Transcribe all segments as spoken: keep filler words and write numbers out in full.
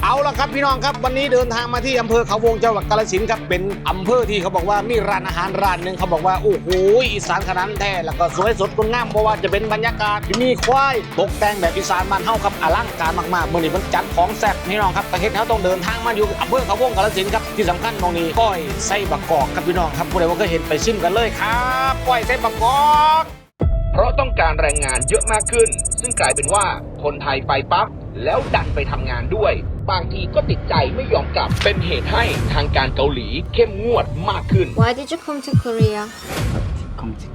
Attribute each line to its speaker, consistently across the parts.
Speaker 1: เอาละครับพี่น้องครับวันนี้เดินทางมาที่อำเภอเขาวงจังหวัดกาฬสินธุ์ครับเป็นอำเภอที่เขาบอกว่ามีร้านอาหารร้านหนึ่งเขาบอกว่าโอ้โหอีสานขนาดแท้แล้วก็สวยสดงดงามเพราะว่าจะเป็นบรรยากาศที่มีควายตกแต่งแบบอีสานบ้านเฮาครับอลังการมากๆเมื่อนี้มันจัดของแซ่บพี่น้องครับแต่เฮ็ดเฮาต้องเดินทางมาอยู่อำเภอเขาวงกาฬสินธุ์ครับที่สำคัญตรงนี้ก้อยไส้บักกอกครับพี่น้องครับผู้ใดว่าเคยเห็นไปชิมกันเลยครับก้อยไส้บักกอก
Speaker 2: เพราะต้องการแรงงานเยอะมากขึ้นซึ่งกลายเป็นว่าคนไทยไปปั๊บแล้วดันไปทำงานด้วยบางทีก็ติดใจไม่ยอมกลับเป็นเหตุให้ทางการเกาหลีเข้มงวดมากขึ้น
Speaker 3: Why did you come to Korea?
Speaker 4: come to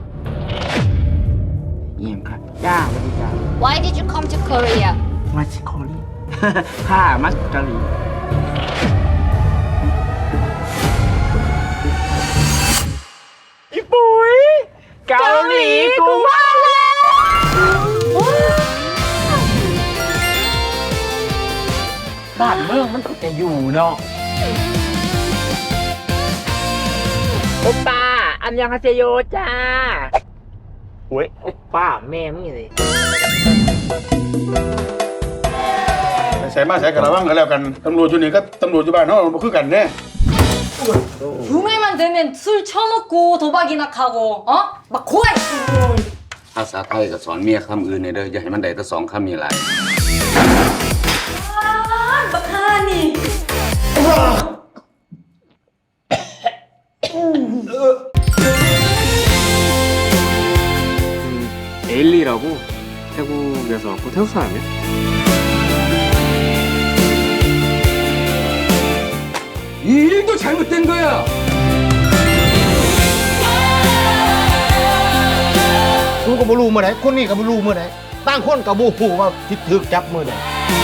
Speaker 4: เยี่ยมครับจ้าสวัสดีจ้า
Speaker 3: Why did you come to Korea?
Speaker 4: มาชิโคลีข้ามัสกะลีอีปุ๋ยเกาหลีกูมาบ้านเมืองมันก็จะอยู่เนาะโอป้าอันยังฮาเซโยจ้าโอ้ยโอป้าแม่มึงเลย
Speaker 5: ใส่มาใส่กันระวังกันแล้วกันตำรวจอยู่นี่ก็ตำรวจอยู่บ้านเขาบ่คือกันแน่
Speaker 6: 룸에만 되면 술 처먹고 도박이나 하고 어? 막 고아 있어
Speaker 7: ภาษาไทยก็สอนเมียคำอื่นในเด้ออย่าให้มันได้แต่สองคำมีหลาย
Speaker 6: 아, 막하니
Speaker 8: 에일리라고 태국에서 왔고 태국 사람이야?
Speaker 7: 이 일도 잘못된 거야.
Speaker 1: กูก็บ่รู้เมื่อไหร่คนนี้ก็บ่รู้เมื่อไหร่ต่างคนก็บ่ฮู้ว่าสิถูกจับมื้อใด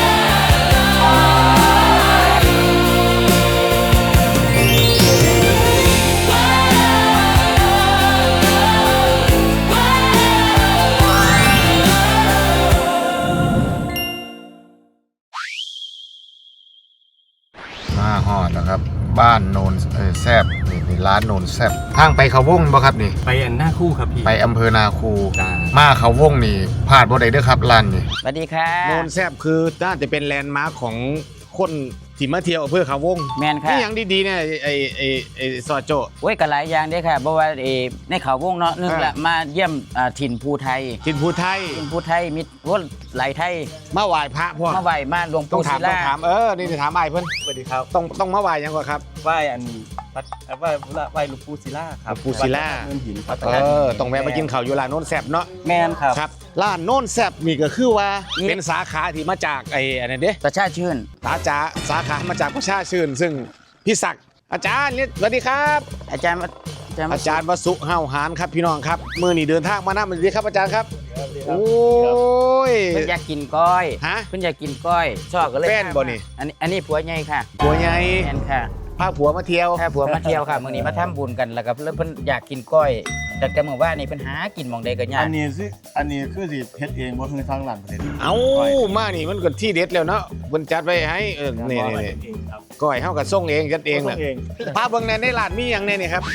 Speaker 1: มาฮอดแล้วครับบ้านโนนเอ่อแซบนี่นี่ร้านโนนแซบทางไปเขาวงบ่ครับนี่
Speaker 8: ไปอันหน้าคู่ครับพี่
Speaker 1: ไปอำเภอนาคู
Speaker 8: จ้า
Speaker 1: มาเขาวงนี่พลาดบ่ได้เด้อครับร้านนี่
Speaker 4: สวัสดีค่ะ
Speaker 1: โนนแซบคือน่าจะเป็นแลนด์มาร์คของคนที่มาเที่ยวอำเภอเขาวง
Speaker 4: แมนค่ะ
Speaker 1: นี่อย่างดีๆเนี่ยไอ้ไอ้ไอ้ซอโจ
Speaker 4: โอ้ยก็หลายอย่างเด้อค่ะเพราะว่าเออในเขาวงเนาะนึงละมาเยี่ยมอ่าถิ่นภูไทย
Speaker 1: ทินภูไทย
Speaker 4: ถิ่นภูไทยมีว่าไหลไทย
Speaker 1: มาไหว้พระพ่อ
Speaker 4: มาไหวมาหลวง
Speaker 1: ต้อ
Speaker 4: ปู่
Speaker 1: งถา
Speaker 4: ศิ
Speaker 1: มต้อง
Speaker 4: ลา
Speaker 1: ถามเออนี่จะถามไอ้เพิ่น
Speaker 8: สวัสดีครับ
Speaker 1: ต้องต้องมาไหว้ยังก่อนครับ
Speaker 8: ไหว้อันวัดไหว้ไหว้หลวงปู่ศิลาครับ
Speaker 1: หลวงปู่ศิลา
Speaker 8: วัดเนินหินครับ
Speaker 1: เออต้องแวะมากินข้าวอยู่ร้านโนนแซบเนาะ
Speaker 8: แมนครับ
Speaker 1: ครับร้านโนนแซบนี่ก็คือว่าเป็นสาขาที่มาจากไอ้อันนั้นเด้
Speaker 4: ประชาชื่น
Speaker 1: สาขาสาขามาจากประชาชื่นซึ่งพี่ศักดิ์อาจารย์นี่สวัสดีครับ
Speaker 4: อาจารย์อาจารย์
Speaker 1: อาจารย์วสุเฮาหานครับพี่น้องครับมือนี่เดินทางมาหน้ามันดีครับอาจารย์ครับโอ้ย
Speaker 4: เพิ่นอยากกินก้อย
Speaker 1: ฮะ
Speaker 4: เพิ่นอยากกินก้อยชอบก็เลย
Speaker 1: แฟนบ่นี่
Speaker 4: อันนี้อันนี้ผัวใหญ่ค่ะ
Speaker 1: ผัวใหญ่
Speaker 4: แฟนค่ะ
Speaker 1: พาผัวมาเที่ยว
Speaker 4: ถ้าผัวมาเที่ยวค่ะมื้อนี้มาทำบุญกันแล้วก็เพิ่นเพิ่นอยากกินก้อยแต่แต่เมื่อวานนี่เพิ่นหากินหม่องใดก็ยา
Speaker 5: อั
Speaker 4: ก
Speaker 5: นนี้สิอันนี้คือสิเฮ็ดเองบ่คือทางร้านประเทศ
Speaker 1: เอามานี่มันก็ที่เด็ดแล้วเนาะเพิ่นจัดไว้ให้เออนี่นี่นี่ก้อยเฮาก็ส่งเองจัดเองแหละพาเบิ่งแหน่ในร้านมีหยังแน่นี่ครับ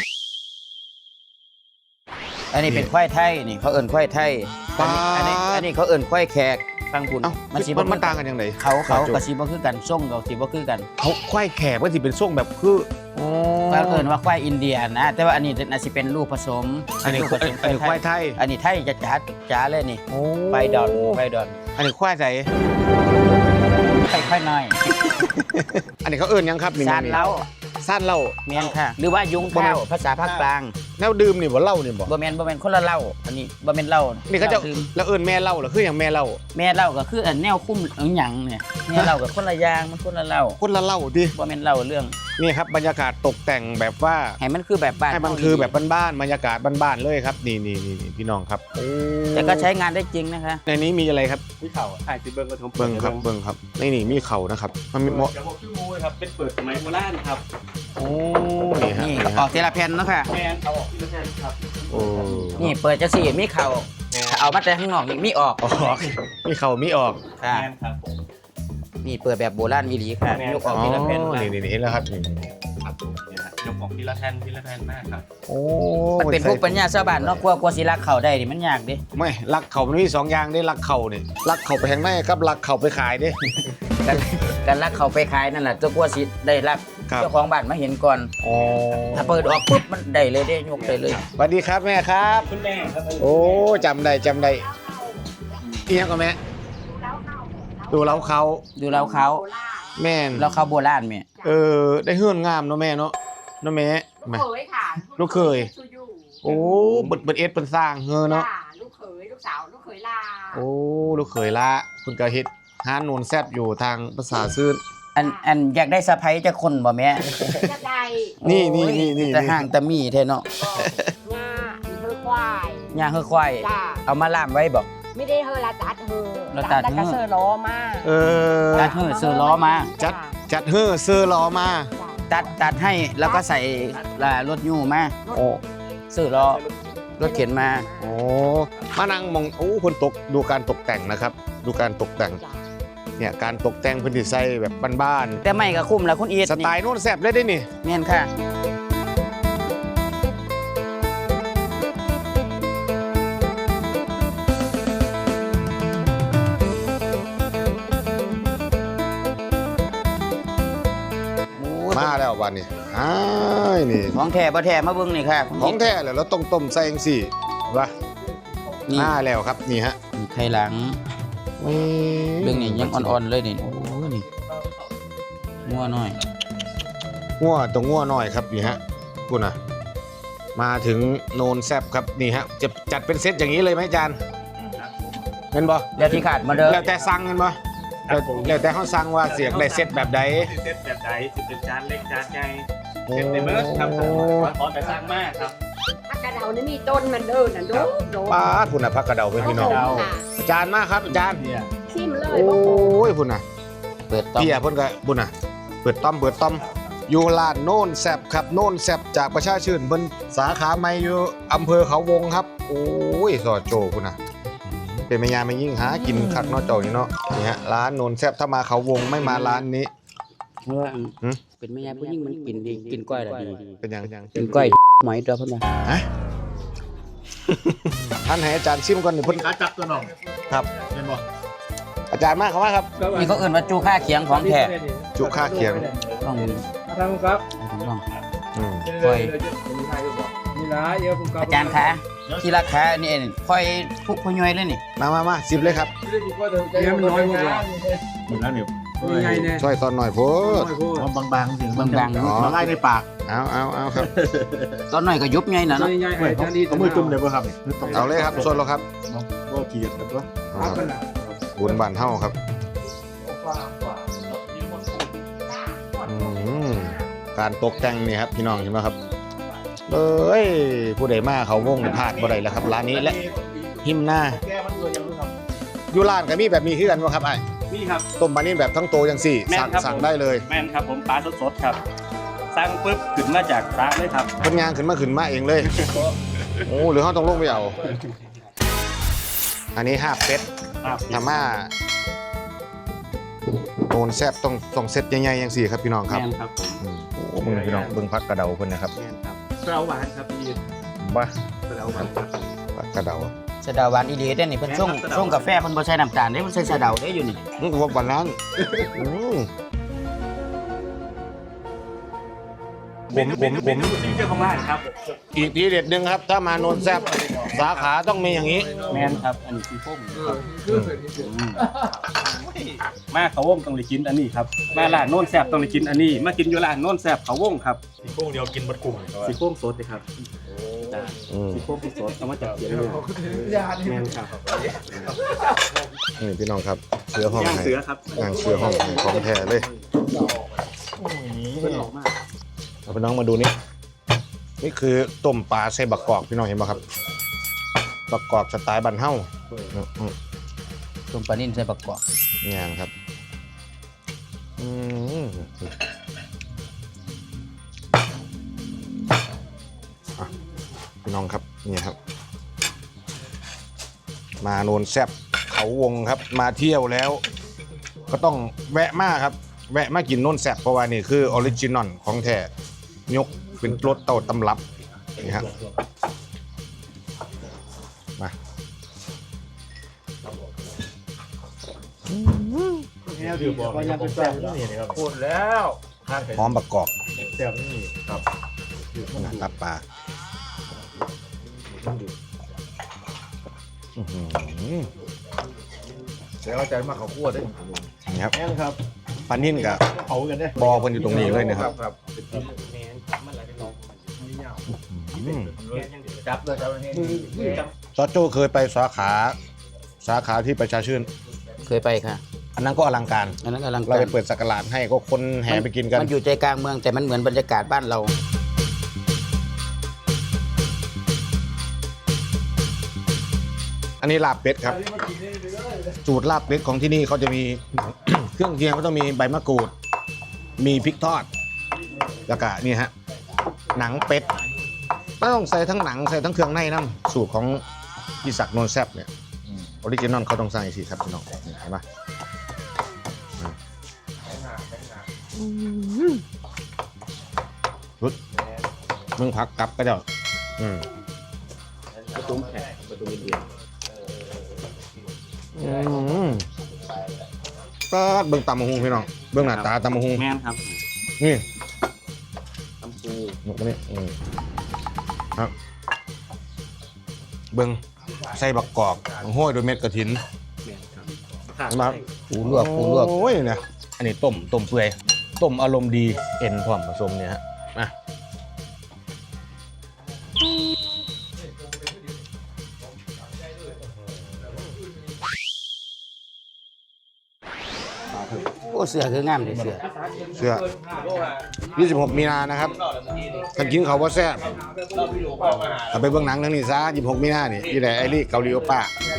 Speaker 4: อันนี้เป็นควายไทยนี่เขาเอิ้นควายไทยอันนี้อันนี้อันนี้เขาเอิ้นควายแขกฟังบุญ
Speaker 1: เอ้า
Speaker 4: มันสิ
Speaker 1: มันมันต่างกันยังไง
Speaker 4: เขาเขาก็สิบ่คือกันส่งก็สิบ่คือกัน
Speaker 1: เขาควายแขกมันสิเป็นส่งแบบคืออ๋อ
Speaker 4: เขาเอิ้นว่าควายอินเดียนะ แต่ว่าอันนี้น่าสิเป็นลูกผสม
Speaker 1: อันนี้
Speaker 4: ลูกผสม
Speaker 1: อันนี้ควายไทย
Speaker 4: อันนี้ไทยจ๋าจ๋าเลยนี่
Speaker 1: โอ้
Speaker 4: ไปดอนไปดอน
Speaker 1: อันนี้ควายใส่
Speaker 4: ค่อยๆหน่อย
Speaker 1: อันนี้เขาเอิ้นหยังครับนี่
Speaker 4: ซานเล้า
Speaker 1: ซ่านเหล้า
Speaker 4: แม่นค่ะ หรือว่ายุงข้าวภาษาภาคกลาง
Speaker 1: แนวดื่มนี่บ่เหล้านี่บ่
Speaker 4: บ่แม่นบ่แม่นคนละเหล้าอันนี้บ่แม่นเหล้า
Speaker 1: นี่เขาจะ
Speaker 4: ดื่ม
Speaker 1: แล้วเอิ้นแม่เหล้าเหรอคืออย่างแม่เหล้า
Speaker 4: แม่เหล้าก็คืออันแนวคุ้มเอิ้นหยังเนี่ยแม่เหล้ากับคนละอย่างมันคนละเหล้า
Speaker 1: คนละเหล้าดิ
Speaker 4: บ่แม่นเหล้าเรื่อง
Speaker 1: นี่ครับบรรยากาศตกแต่งแบบว่า
Speaker 4: ให้มันคือแบบบ้าน
Speaker 1: ให้มันคือแบบบ้านๆบรรยากาศบ้านๆเลยครับนี่นี่นี่พี่น้องครับโอ้
Speaker 4: แต่ก็ใช้งานได้จริงนะคะ
Speaker 1: ในนี้มีอะไรครับ
Speaker 8: ที่เข่าถ่ายสิเบิ้งกระทง
Speaker 1: เบิ้งครับเบิ้งครับนี่นี่มีเข่านะครับมันมีเหมาะ
Speaker 8: จะบอกชื่อมูครับเป็นเปิดสมัยโบราณครับ
Speaker 1: โอ้นี่ฮะ
Speaker 4: นี่
Speaker 1: นี่
Speaker 4: ออ
Speaker 1: ฮะ
Speaker 4: กทีละแผ่นเนาะค่ะ
Speaker 8: แมนเอาออกที่ละแทนครับ
Speaker 1: โอ้
Speaker 4: นี่เปิดจังซี่มีเข่าถ้าเอามาแต่ข้างนอกนี่มีออก
Speaker 1: ออกมีเข่ามีออก
Speaker 4: ค่ะ
Speaker 8: แมนครับผม
Speaker 4: นี่เปิดแบบโบราณอีหลีค่ะ
Speaker 8: แม่น
Speaker 4: ยกออก
Speaker 1: อ๋อ
Speaker 4: ทีละแผ่น
Speaker 1: นี่นี่นี่เห็นแล้วครับนี่
Speaker 8: ครับเนี่ยฮะยกออกที่ละแทนที่ละแทนมากครับ
Speaker 1: โอ้
Speaker 4: มันเป็นพวกปัญญาชาวบ้านเนาะกลัวกลัวสิรักเขาได้นี่มันยากเด้
Speaker 1: ไม่ลักเข่ามันมีสองอย่างได้ลักเข่าเนี่ยลักเข่าไปแห่งในกับลักเข่าไปขายเด้
Speaker 4: กันกันลักเขาไปขายนั่นแหละเจ้ากลัวสิได้รับ
Speaker 1: ครับ
Speaker 4: เจ้าของบ้านมาเห็นก่อน
Speaker 1: อ๋อ
Speaker 4: ถ้าเปิดออกปุ๊บมันได้เลยได้ยกได้เลย
Speaker 1: สวัสดีครับแม่ครับ
Speaker 8: คุณแม่ครับ
Speaker 1: โอ้จำได้จำได้เอียงก็แม่ดูเล้าเขา
Speaker 4: ดูแล้วเขา
Speaker 1: แม่น
Speaker 4: แล้วเขาโบราณแม่
Speaker 1: เออได้เฮือนงามเนาะแม่เนาะเนาะแม่แม่
Speaker 9: เคยค่ะ
Speaker 1: ลูกเคย
Speaker 9: ชูยู
Speaker 1: โอ้เบิดเบิดเอ็ดเป็นสร้างเฮอเนาะ
Speaker 9: จ้ลูกเขยลูกสาวลูกเขยลา
Speaker 1: โอ้ลูกเคยละคุณก็เฮ็ดห้านโนนแซบอยู่ทางภาษาซื่น
Speaker 4: อันอันอยากได้สะพ้ยจะคนบ่แม่
Speaker 9: จะได้
Speaker 1: นี่นี่นี่นี่
Speaker 4: แต่ห่างแต่มีแท้เนาะ
Speaker 9: งาเฮอควาย
Speaker 4: ย่างเฮือควาย
Speaker 9: จ้า
Speaker 4: เอามาล่ามไว้บ่
Speaker 9: ไม่ได้เฮอละจัดเฮอ
Speaker 4: ละจัด
Speaker 9: แล้วก็
Speaker 4: เฮอ
Speaker 9: เซอร์ล้อมา
Speaker 1: เออ
Speaker 4: ตัดเฮือซื้อล้อมา
Speaker 1: จัดจัดเฮอเซอร์ล้อมา
Speaker 4: ตัดตัดให้แล้วก็ใส่อ่ารถยูมา
Speaker 1: โอ้
Speaker 4: ซื้อล้อรถเข็นมา
Speaker 1: โอ้มานั่งมองโอ้คนตกดูการตกแต่งนะครับ ดูการตกแต่งเนี่ยการตกแต่งพื้นที่ใส่แบบบ้าน
Speaker 4: แต่ไม่ก็คุ้มแล้วคุณอีท
Speaker 1: ๆสไตล์โน่นแซบได้ด้วยนี่
Speaker 4: แม่นค่ะ
Speaker 1: มาแล้ววันนี้อ้ายนี่
Speaker 4: ของแท้บ่แท้มาเบิ่งนี่ค่ะคุณ
Speaker 1: ของ
Speaker 4: อีท
Speaker 1: แท้เลยเราต้องต้มใส่เองสิวะ
Speaker 4: นี่
Speaker 1: มาแล้วครับนี่ฮะ
Speaker 4: นี่ไข่หลังเรื่องนี้ยังอ่อนๆเลยนี่โอ้นี่งัวน้อย
Speaker 1: งัวตัวงัวหน่อยครับนี่ฮะคุณนะมาถึงโนนแซบครับนี่ฮะจะจัดเป็นเซตอย่างนี้เลยไหมอาจารย์เป็นบ่
Speaker 4: แล้วที่ขาดมาเด้อ
Speaker 1: แล้วแต่สั่งกันบ่แล้วแล้วแต่เขาสั่งว่าเสียงได้เซตแบบใด
Speaker 8: เซตแบบไหนสิเป็นจานเล็กจานใหญ่
Speaker 1: โอ้
Speaker 8: เซตในเบิร์ดครับขอแต่สั่งมากครับ
Speaker 9: ถ้ากระเดานี่มีต้นมันเดินน่ะดูดู
Speaker 1: ป้าดพุ่นน่ะพักกระเดาเป็นพี่น้อง
Speaker 9: ค่ะ
Speaker 1: อาจารย์มากครับอาจารย์
Speaker 9: ชิมเลย
Speaker 1: โอ้ยพุ่นน่ะ
Speaker 4: เปิดต้อม
Speaker 1: พี่อ่ะพุ่นก็พุ่นน่ะเปิดต้อมเปิดต้อมอยู่ร้านโน่นแซบครับโน่นแซบจากประชาชื่นบนสาขาใหม่อยู่อำเภอเขาวงครับโอ้ยสอดโจพุ่นน่ะเป็นแม่ยาไม่ยิ่งหากินคักเนอกเจ้านี่เนาะนี่ฮะร้านโน่นแซบถ้ามาเขาวงไม่มาร้านนี้
Speaker 4: เพราะว่า
Speaker 1: หืม
Speaker 4: เป็นแม่ยายผู้หญิงมันกินดีกินก้อยละดี
Speaker 1: เป็นยังยัง
Speaker 4: กินก้อยหมอยเด้อเพิ่นว่า
Speaker 1: ฮะ ท่านให้อาจารย์ชิมก่อนนี่เพิ่น
Speaker 5: ขาจับตัวน้อง
Speaker 1: ครับ
Speaker 5: เห็นบ่
Speaker 1: อาจารย์มากครับว่าครับ
Speaker 4: นี่เขาเอิ้นว่าจูค่าเคียงของแท้
Speaker 1: จุค่าเขียง
Speaker 4: ต้อง
Speaker 8: ทำครับ
Speaker 4: ต้อง
Speaker 1: อืม
Speaker 4: ค่อย
Speaker 8: นี่นะเยอะผมก็
Speaker 4: อาจารย์คะที่ราคานี่เองค่อยทุกผู้ย่อยเลยนี่
Speaker 1: มามามาสิบเลยครับ
Speaker 8: เยอะมันน้อยหมดเลย
Speaker 5: หมดแล้วเนี่ย
Speaker 8: ยังไงเนี่ย
Speaker 1: ช่วยตอนหน่อยโพด
Speaker 5: เอาบางๆเสียง
Speaker 4: บางๆ
Speaker 1: อ๋อ
Speaker 5: มาไล่ในปาก
Speaker 1: เอาเอาเอาครับ
Speaker 4: ตอนน้อยก็ยุบใหญ่น่ะเนาะ
Speaker 8: ยังไง
Speaker 5: เฮ้ย
Speaker 8: อา
Speaker 5: เขา
Speaker 8: จารย์ดี
Speaker 5: เอามือจุ่มเลยป่ะครับนี่
Speaker 1: เอาเลยครับส่วนเราครับ
Speaker 5: บ่เกลียดกันตัว
Speaker 1: เอาครับบุญบานเฮาครับอืมการตกแต่งนี่ครับพี่น้องเห็นไหมครับเอ้ยผู้ใดมาเขาวงนี่พลาดบ่ได้แล้วครับร้านนี้และหิมหน้า
Speaker 5: แก้มันตัวยังรู้ครับ
Speaker 1: อยู่ร้านก็มีแบบมีคือกันบ่ครับไอ้
Speaker 8: นี่ครับ
Speaker 1: ต้มปลานิ่มแบบทั้งโตจังสี่
Speaker 8: แม่น
Speaker 1: สั่ง
Speaker 8: ครับ
Speaker 1: สั่ง
Speaker 8: ผม
Speaker 1: ได้เลย
Speaker 8: แม่นครับผมปลาสดๆครับสร้างปุ๊บขึ้นมาจากสระเลยครับ
Speaker 1: เพิ่นยางขึ้นมาขึ้นมาเองเลย โอ้หรือเฮาต้องลงไปเอาอันนี้ห้าเป็ด ธรรมาโนนแซบต้องต้องเซตใหญ่ๆอย่างสี่ครับพี่น้องครับ
Speaker 8: แม่นครับผม
Speaker 1: อืมโอ้เบิ่งพี่น้องเบิ่งพักกระเดาเพิ่นนะครับ
Speaker 8: แม่นครับเปล่าหวานครับพี่
Speaker 1: บ้า
Speaker 8: เปล่าหวานครับ
Speaker 1: พักกระเดา
Speaker 4: สะเดาหวานอีหลีเด้อนี่เพิ่นส่งส่งกาแฟเพิ่นบ่ใส่น้ำตาลเด้เพิ่นใส่สะเดาเด้อยู่นี่
Speaker 1: อืมก็ว่าปานนั้นอืม
Speaker 8: ผมผมผมซิงเกิลของร้านครับ
Speaker 1: อีกทีเด็ดหนึงครับ ถ้ามาโนนแซบสาขาต้องมีอย่างนี้
Speaker 8: แม่นครับอันนี้คือพวกครับมาเขาวงต้องได้กินอันนี้ครับมาร้านโน่นแซ่บต้องได้กินอันนี้ มากินอยู่ร้านโน่นแซ่บเขาวงครับสีโค้งเดียวกินบัดกลุ่มสีโค้งสดเลยครับ
Speaker 1: อืม
Speaker 8: สีโค้งสดเอามาจากเขียนเลยแม่นครับ
Speaker 1: นี่พี่น้องครับเสือห้อง
Speaker 8: ย่าง
Speaker 1: ให้
Speaker 8: เสือครับ
Speaker 1: ย่างเสือห้องให้ของแท้เลย
Speaker 8: เพิ่นออกมา
Speaker 1: เอาพี่น้องมาดูนี่นี่คือต้มปลาใส่บักกอกพี่น้องเห็นป่ะครับบักกอกสไตล์บ้านเฮาอืม
Speaker 4: ต้มปลานิ่มใส่บักกอก
Speaker 1: งานครับอืมอ่ะพี่น้องครับนี่ครับ มาโนนแซบเขาวงครับ มาเที่ยวแล้ว ก็ต้องแวะมาครับ แวะมากินโนนแซบเพราะว่านี่คือออริจินอลของแท้ยกเป็นรสเต้าตำรับนี่ครับมา
Speaker 8: นี่ถือบอกว่ายังเป็นแซ่บนี่ครับพูดแล้วข้างไก่
Speaker 1: หอมบักกอก
Speaker 8: แซ่บนี่ครับ
Speaker 1: ตับปลาอื้อหือ
Speaker 8: แล้วใจมากเขาคั่วได้
Speaker 1: นี่ครับ
Speaker 8: แม่นครับ
Speaker 1: ปลานิ่นกับ
Speaker 8: เผากันได้
Speaker 1: บอเพิ่นอยู่ตรงนี้เลยนะครับ
Speaker 8: ครับ
Speaker 1: อืม
Speaker 8: จับเลยจับเลย
Speaker 1: ซอโจ้เคยไปสาขาสาขาที่ประชาชื่น
Speaker 4: เคยไปค่ะ
Speaker 1: อันนั้นก็อลังการ
Speaker 4: อันนั้นกำลัง
Speaker 1: เราไปเปิดสักการะให้ก็คนแห่ไปกินกัน
Speaker 4: มันอยู่ใจกลางเมืองแต่มันเหมือนบรรยากาศบ้านเรา
Speaker 1: อันนี้ลาบเป็ดครับ สูตรลาบเป็ดของที่นี่เขาจะมี เครื่องเคียงก็ต้องมีใบมะกรูด มีพริกทอด แล้วก็นี่ฮะ หนังเป็ดต้องใส่ทั้งหนังใส่ทั้งเครื่องในน้ำสูตรของพี่ศักดิ์นนท์แซ่บเนี่ยออริจินอลเขาต้องใส่สิครับพี่น้องนี่เห็นปะรุดมึงพักกลับก็เจ้าอืม
Speaker 8: ประตูแขกประตูเดียว
Speaker 1: อืมก็เบิ่งตำมะฮุงพี่น้องเบิ่งหน้าตาตำมะฮุง
Speaker 4: แม่นครับ
Speaker 1: นี่
Speaker 4: ตำปู
Speaker 1: หมกนี่อืมครับ เบิ่งใส่บักกอกห้อยโดวยเม็ดกระถินเห็นไหมครับ
Speaker 4: ปูลวกปูลวก
Speaker 1: โอ้ยเนี่ยอันนี้ต้มต้มเปื่อยต้มอารมณ์ดีเอ็นพร้อมผสมเนี่ยฮะมา
Speaker 4: โอ้เสือคืองามเลยเสือ
Speaker 1: เสื้อยี่สิบหกมีนานะครับท่านกินเขาวว่าแซ่บเอาไปเบิ่งหนังทั้งนี้ซะยี่สิบหกมีนานี่ที่ไหนไอรี่เกาหลีโอป้า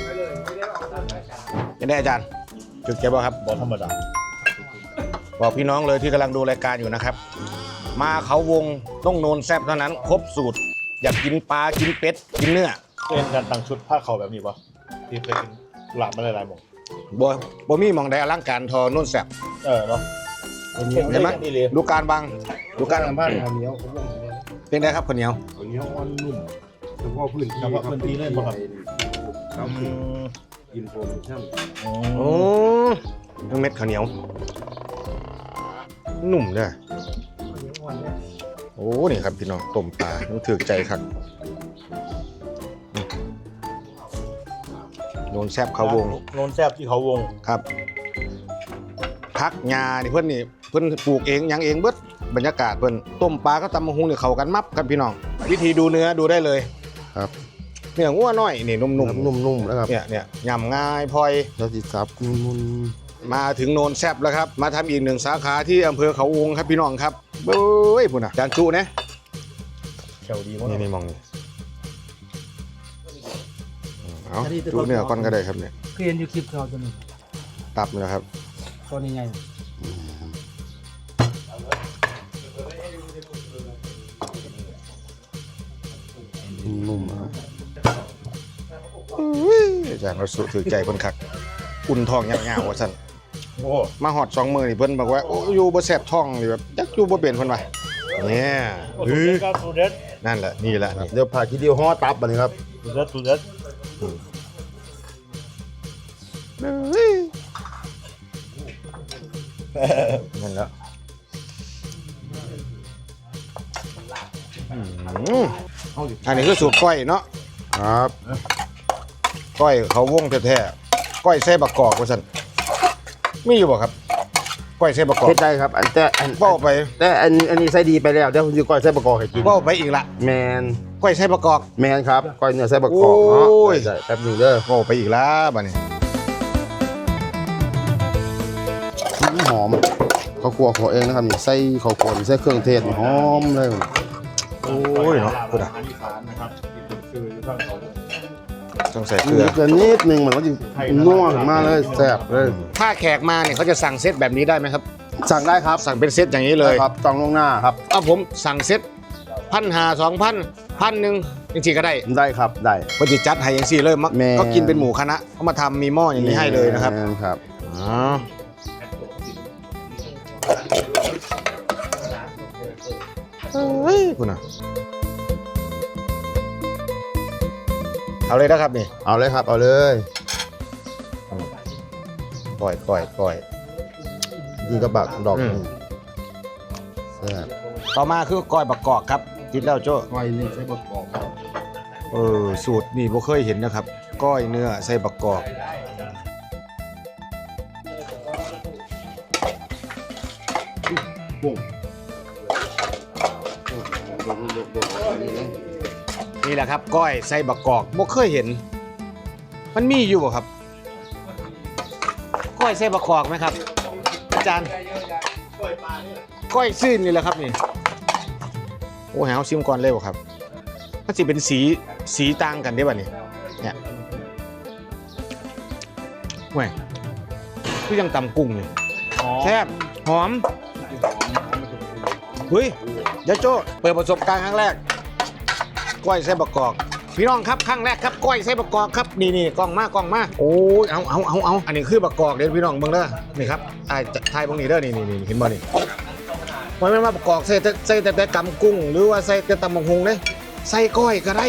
Speaker 1: ยังได้อาจารย์จุดเก็บบ่ครับ
Speaker 8: บอธรรมดา
Speaker 1: บอกพี่น้องเลยที่กำลังดูรายการอยู่นะครับ มาเขาวงต้องโนนแซ่บเท่านั้นครบสูตร อยากกินปลากินเป็ดกินเนื้อ
Speaker 8: เป็นการตั้งชุดผ้าเข่าแบบนี้ปะที่เคยกินหลาบมาหลายๆหมอง
Speaker 1: บ่บ่มีหมองใดอลังการทอโนนแซ่บ
Speaker 8: เออเนาะ
Speaker 1: เห็นไหมดูการบังดูการ
Speaker 8: บ้านข้าวเหนียวผมว่า
Speaker 1: เป็นไงครับคนเหนียว
Speaker 8: ข้าวเหนียวอ่อนนุ่มเฉพาะพื้นที่เฉพาะพื้นที่เลยป่ะครับกินโฟมช่ำ
Speaker 1: โอ้ทั้งเม็ดข้าวเหนียวนุ่มเด้อโอ้นี่ครับพี่น้องต้มปลาต้องถือใจครับโนนแซ่บเขาวง
Speaker 8: โนนแซบที่เขาวง
Speaker 1: ครับพักหญ้านี่เพิ่นนี่เพิ่นปลูกเองหยังเองเบิดบรรยากาศเพิ่นต้มปลาก็ตำมะฮุงนี่เข้ากันมับครับพี่น้องวิธีดูเนื้อดูได้เลย
Speaker 5: ครับ
Speaker 1: เนื้องัวน้อยนี่นุ่มๆ
Speaker 5: นุ่มๆนะครับ
Speaker 1: เนี่ยเนี่ยยำง่ายพลอย
Speaker 5: แล้วสิซับนุ่ม
Speaker 1: มาถึงโนนแซบแล้วครับมาทำอีกหนึ่งสาขาที่อำเภอเขาวงครับพี่น้องครับเบ้ยพุ่นน่ะจานจุนะ
Speaker 8: แถวดีมาก
Speaker 1: นี่นี่มองนี่เอาจุเนื้อก่อนก็ได้ครับเนี่ย
Speaker 10: เรียนอยู่คลิปเขาตัวนี้
Speaker 1: ตับนี่แหละครับ
Speaker 10: ตัวนี้ไง
Speaker 5: ๆนุ่มๆนะครับ
Speaker 1: อาจารย์เราสุถือใจคนคักอุ่นท้องยาวๆว่าสั่น
Speaker 8: โอ้
Speaker 1: มาหอดสองมือนี่เพิ่นบอกว่าโอ้อยู่บ่แซ่บท้องนี่แบบจักอยู่บ่เป็นเพิ่นว่าเนี่ย
Speaker 8: สุ
Speaker 1: เฮ้
Speaker 8: ด
Speaker 1: ย
Speaker 8: เด็ดครับสุดเด็ด
Speaker 1: นั่นแหละนี่แหละนี่
Speaker 5: เดี๋ยวผ่าทีเดียวห่อตับอันนี้ครับ
Speaker 8: สุดเด็ดสุดเด็ด
Speaker 1: นั่นแหละอืมอันนี้คือสูตรก้อยเนาะ
Speaker 5: ครับ
Speaker 1: ก้อยเขาวงแท้ๆก้อยใส่บักกอกว่าซั่นมีอยู่บ่ครับก้อยใส่บักกอก
Speaker 5: เฮ็ดได้ครับ อันแต่อัน
Speaker 1: เว้าไป
Speaker 5: แต่อันอันนี้ใส่ดีไปแล้วเดี๋ยวผมจะก้อยใส่ประกอบให้กิน
Speaker 1: เว้าไปอีกละ
Speaker 5: แมน
Speaker 1: ก้อยใส่บักกอก
Speaker 5: แมนครับก้อยเนื้อใส่ประกอบเนาะ
Speaker 1: โอ้ย
Speaker 5: ได้ๆแป๊บหนึงเด้อ
Speaker 1: เว้าไปอีกละบัดนี้
Speaker 5: หอมข้าวคั่วของเองนะครับนี่ใส่ข้าวคั่วนี่ใส่เครื่องเทศนี่หอมเลย
Speaker 1: โอ้ยเนาะพูดอ่ะ
Speaker 8: อันนี้ฐานนะครับคือข้างเขา
Speaker 1: ต้องใส่เกลือ
Speaker 5: นิดเดียวนิดนึงมันก็จะนัวขึ้นมาเลยแซ่บเลย
Speaker 1: ถ้าแขกมาเนี่ยเขาจะสั่งเซตแบบนี้ได้ไหมครับ
Speaker 5: สั่งได้ครับ
Speaker 1: สั่งเป็นเซตอย่างนี้เลย
Speaker 5: ได้ครับจองล่วงหน้าครับ
Speaker 1: เอาผมสั่งเซตพันหาสองพันพันหนึ่งจริงๆก็ได้
Speaker 5: ได้ครับได้
Speaker 1: ก็จะจัดให้อย่างสี่เลยมัก
Speaker 5: แม่
Speaker 1: ก็กินเป็นหมูคณะเขามาทำมีหม้ออย่างนี้ให้เลยนะครับ
Speaker 5: แม่ครับ
Speaker 1: อ๋อเฮ้ยคุณอ่ะเอาเลยนะครับนี่
Speaker 5: เอาเลยครับเอาเลย
Speaker 1: ปล่อยปล่อยปล่อย
Speaker 11: กินกับบักดอก
Speaker 1: อืม
Speaker 11: แซ่บ
Speaker 1: ต่อมาคือก้อยบักกอกครับกินแล้วโจ้
Speaker 11: ก้อยนี่ใช้บักกอก
Speaker 1: เออสูตรนี่บ่เคยเห็นนะครับ ก้อยเนื้อใส่บักกอกนี่แหละครับ ก้อยใส่บักกอกบ่เคยเห็น มันมีอยู่บ่ครับ ก้อยใส่บักกอกไหมครับ อาจารย์ก้อยซื่นนี่แหละครับนี่โอ้แหวซิมก่อนเลยบ่ครับมันสิเป็นสีสีต่างกันได้ป่ะนี่เนี่ยแหวคือยังตำกุ้งนี่แซ่บหอมเฮ้ยยายโจ้เปิดประสบการณ์ครั้งแรกก้อยใส่บักกอกพี่น้องครับครั้งแรกครับก้อยใส่บักกอกครับนี่นี่กล้องมากล้องมาโอ้ยเอาเอาเอาเอาอันนี้คือบักกอกเด้อพี่น้องเบิ่งเด้อนี่ครับไอ้ไทยเบิ่งนี่เด้อนี่นี่นี่เห็นบ่นี่มันไม่มาบักกอกใส่แต่ใส่แต่แต่กำกุ้งหรือว่าใส่แต่ตำบักฮุงเด้ใส่ก้อยก็ได้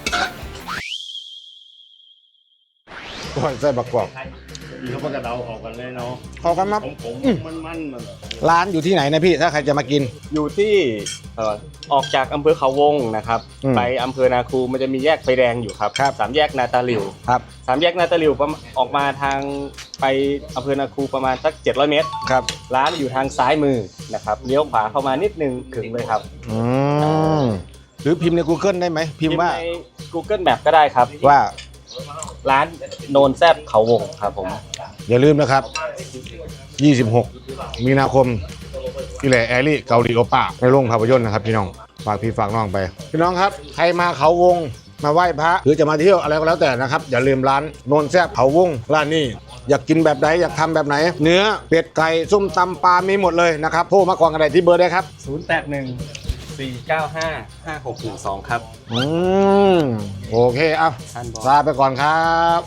Speaker 1: ก้อยใส่บักกอก
Speaker 8: ดีเขากระเดาออกกันเลยเนาะ
Speaker 1: เข้ากันมา
Speaker 8: ผมผม
Speaker 1: อืม
Speaker 8: มันมันมัน
Speaker 1: ร้านอยู่ที่ไหนนะพี่ถ้าใครจะมากิน
Speaker 8: อยู่ที่เอ่อออกจากอำเภอเขาวงนะครับ
Speaker 1: อืม
Speaker 8: ไปอำเภอนาคูมันจะมีแยกไฟแดงอยู่ครับ
Speaker 1: ครับ
Speaker 8: สามแยกนาตาหลิว
Speaker 1: ครับ
Speaker 8: สามแยกนาตาหลิวประมาณออกมาทางไปอำเภอนาคูประมาณสักเจ็ดร้อยเมตร
Speaker 1: ครับ
Speaker 8: ร้านอยู่ทางซ้ายมือนะครับเลี้ยวขวาเข้ามานิดนึงถึงเลยครับ
Speaker 1: อืมหรือพิมพ์ใน Google ได้ไหมพิมพ์ว่า
Speaker 8: ใน Google Map ก็ได้ครับ
Speaker 1: ว่า
Speaker 8: ร้านโนนแซบเขาวงครับผม
Speaker 1: อย่าลืมนะครับ ยี่สิบหก มีนาคมที่แหล่แอรี่เกาหลีโอป้าในโรงภาพยนตร์นะครับพี่น้อง ฝากพี่ฝากน้องไป พี่น้องครับ ใครมาเขาวง มาไหว้พระ หรือจะมาเที่ยวอะไรก็แล้วแต่นะครับ อย่าลืมร้านโนนแซบเขาวง ร้านนี้อยากกินแบบไหน อยากทำแบบไหน เนื้อ เป็ด ไก่ ส้มตำปลา มีหมดเลยนะครับโทรมาก่อนกันได้ที่เบอร์ได้ครับ
Speaker 8: ศูนย์ แปด หนึ่ง สี่ เก้า ห้า ห้า หก หนึ่ง สองครับ
Speaker 1: อืม โอเค เอา
Speaker 8: ท่านบอก
Speaker 1: ลาไปก่อนครับ